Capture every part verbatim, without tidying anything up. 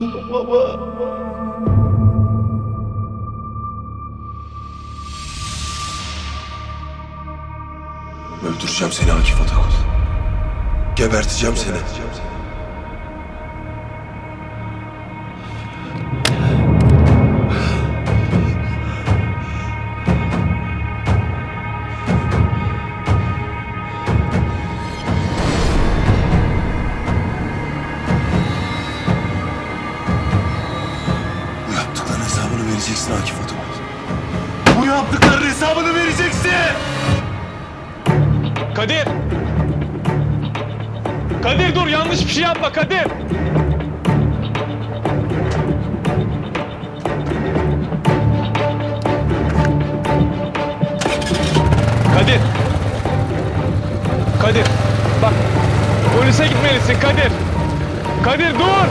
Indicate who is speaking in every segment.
Speaker 1: Baba. Öldüreceğim seni Akif Atakul. Geberteceğim seni. Bu yaptıkların hesabını vereceksin Akif Atakul. Bu yaptıkların hesabını vereceksin!
Speaker 2: Kadir! Kadir dur, yanlış bir şey yapma Kadir! Kadir! Kadir! Bak, polise gitmelisin Kadir! Kadir dur!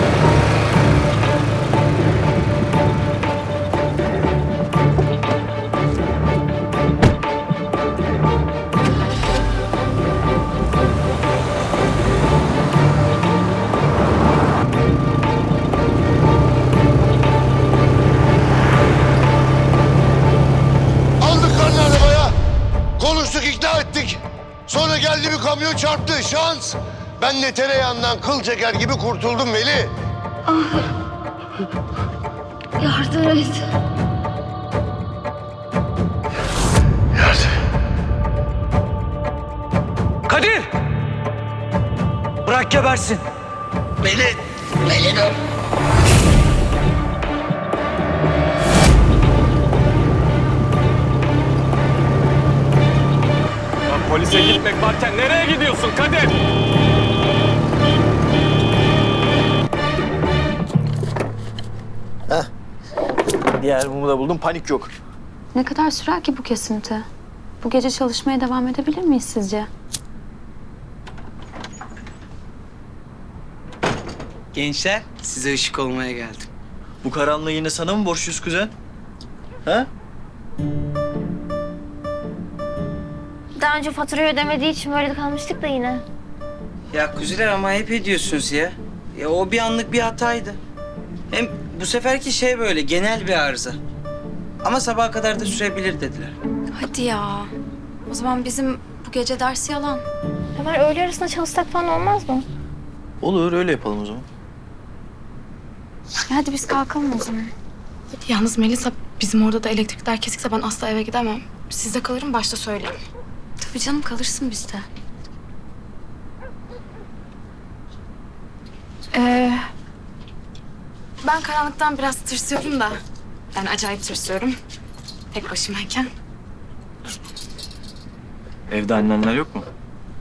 Speaker 3: Aldık karnı arabaya. Konuştuk, ikna ettik. Sonra geldi bir kamyon çarptı. Şans. Ben de tereyağından kıl çeker gibi kurtuldum Veli.
Speaker 4: Yardım et.
Speaker 5: Kadir! Bırak gebersin.
Speaker 3: Veli. Veli dur.
Speaker 2: Lan polise gitmek varken nereye gidiyorsun Kadir?
Speaker 5: Diğer mumu da buldum, panik yok.
Speaker 4: Ne kadar sürer ki bu kesinti? Bu gece çalışmaya devam edebilir miyiz sizce?
Speaker 6: Gençler, size ışık olmaya geldim.
Speaker 5: Bu karanlığı yine sana mı borçluyuz kuzen? Ha?
Speaker 7: Daha önce faturayı ödemediği için böyle kalmıştık da yine.
Speaker 6: Ya kuziler ama hep ediyorsunuz ya. Ya o bir anlık bir hataydı. Hem bu seferki şey böyle genel bir arıza. Ama sabaha kadar da sürebilir dediler.
Speaker 4: Hadi ya. O zaman bizim bu gece dersi yalan.
Speaker 7: Ömer öğle arasında çalışsak falan olmaz mı?
Speaker 5: Olur, öyle yapalım o zaman.
Speaker 4: Ya hadi biz kalkalım o zaman.
Speaker 8: Yalnız Melisa, bizim orada da elektrikler kesikse ben asla eve gidemem. Sizde kalırım, başta söyleyeyim.
Speaker 4: Tabii canım, kalırsın bizde.
Speaker 8: Ee, ben karanlıktan biraz tırsıyorum da. Yani acayip tırsıyorum. Tek başımayken.
Speaker 5: Evde annenler yok mu?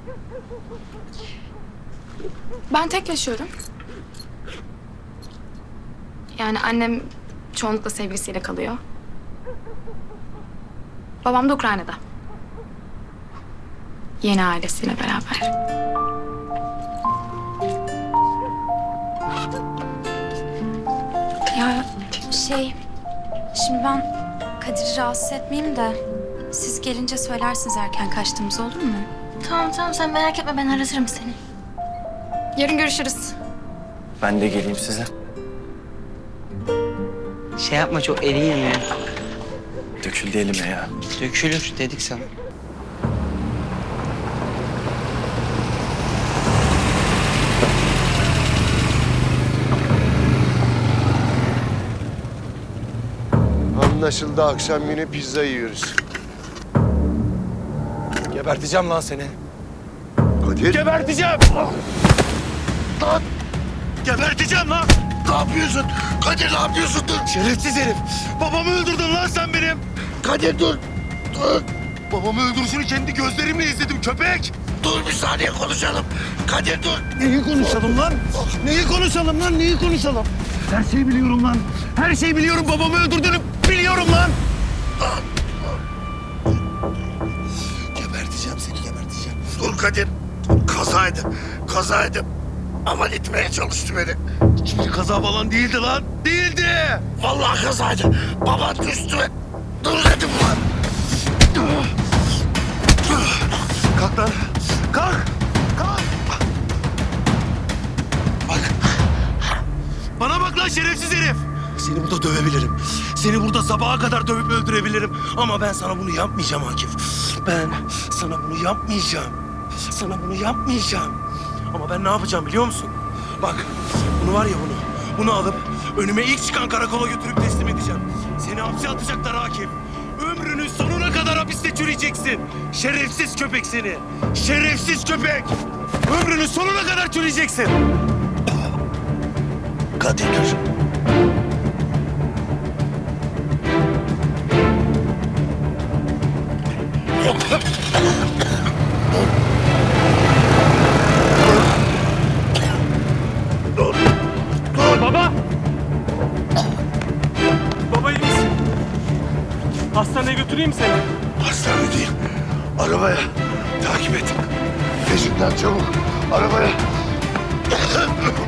Speaker 8: Ben tek yaşıyorum. Yani annem çoğunlukla sevgilisiyle kalıyor. Babam da Ukrayna'da. Yeni ailesiyle beraber.
Speaker 4: Ya şey, şimdi ben Kadir'i rahatsız etmeyeyim de siz gelince söylersiniz erken kaçtığımız, olur mu?
Speaker 7: Tamam tamam, sen merak etme, ben aratırım seni.
Speaker 8: Yarın görüşürüz.
Speaker 5: Ben de geleyim size.
Speaker 6: Şey yapma, çok elin yanıyor.
Speaker 5: Döküldü elime ya.
Speaker 6: Dökülür dedik sana.
Speaker 3: Anlaşıldı, akşam yine pizza yiyoruz.
Speaker 1: Geberteceğim lan seni.
Speaker 3: Kadir.
Speaker 1: Geberteceğim!
Speaker 3: Lan!
Speaker 1: Geberteceğim lan!
Speaker 3: Ne yapıyorsun? Kadir ne yapıyorsun? Dur.
Speaker 1: Şerefsiz herif! Babamı öldürdün lan sen benim!
Speaker 3: Kadir dur. Dur.
Speaker 1: Babamı öldürüşünü kendi gözlerimle izledim köpek!
Speaker 3: Dur bir saniye konuşalım. Kadir dur.
Speaker 1: Neyi konuşalım lan? Neyi konuşalım lan? Neyi konuşalım? Her şeyi biliyorum lan. Her şeyi biliyorum. Babamı öldürdüğünü biliyorum lan.
Speaker 3: Geberteceğim seni, geberteceğim. Dur Kadir. Kazaydı. Kazaydı. Aman itmeye çalıştı beni.
Speaker 1: Şimdi kaza falan değildi lan. Değildi.
Speaker 3: Vallahi kazaydı. Baban düştü. Dur dedim lan.
Speaker 1: Kalk lan. Kalk. Kalk.
Speaker 3: Bak.
Speaker 1: Bana bak. lan şerefsiz herif? Seni burada dövebilirim. Seni burada sabaha kadar dövüp öldürebilirim. Ama ben sana bunu yapmayacağım Akif. Ben sana bunu yapmayacağım. Sana bunu yapmayacağım. Ama ben ne yapacağım biliyor musun? Bak bunu var ya bunu. Bunu alıp önüme ilk çıkan karakola götürüp teslim edeceğim. Seni hapse atacaklar Akif. Ömrünün sonuna kadar hapiste çürüyeceksin. Şerefsiz köpek seni. Şerefsiz köpek. Ömrünün sonuna kadar çürüyeceksin. Kadir dur.
Speaker 2: Baba! Baba iyi misin? Hastaneye götüreyim seni.
Speaker 3: Hastane değil. Arabaya. Takip et. Peşinden çabuk. Arabaya.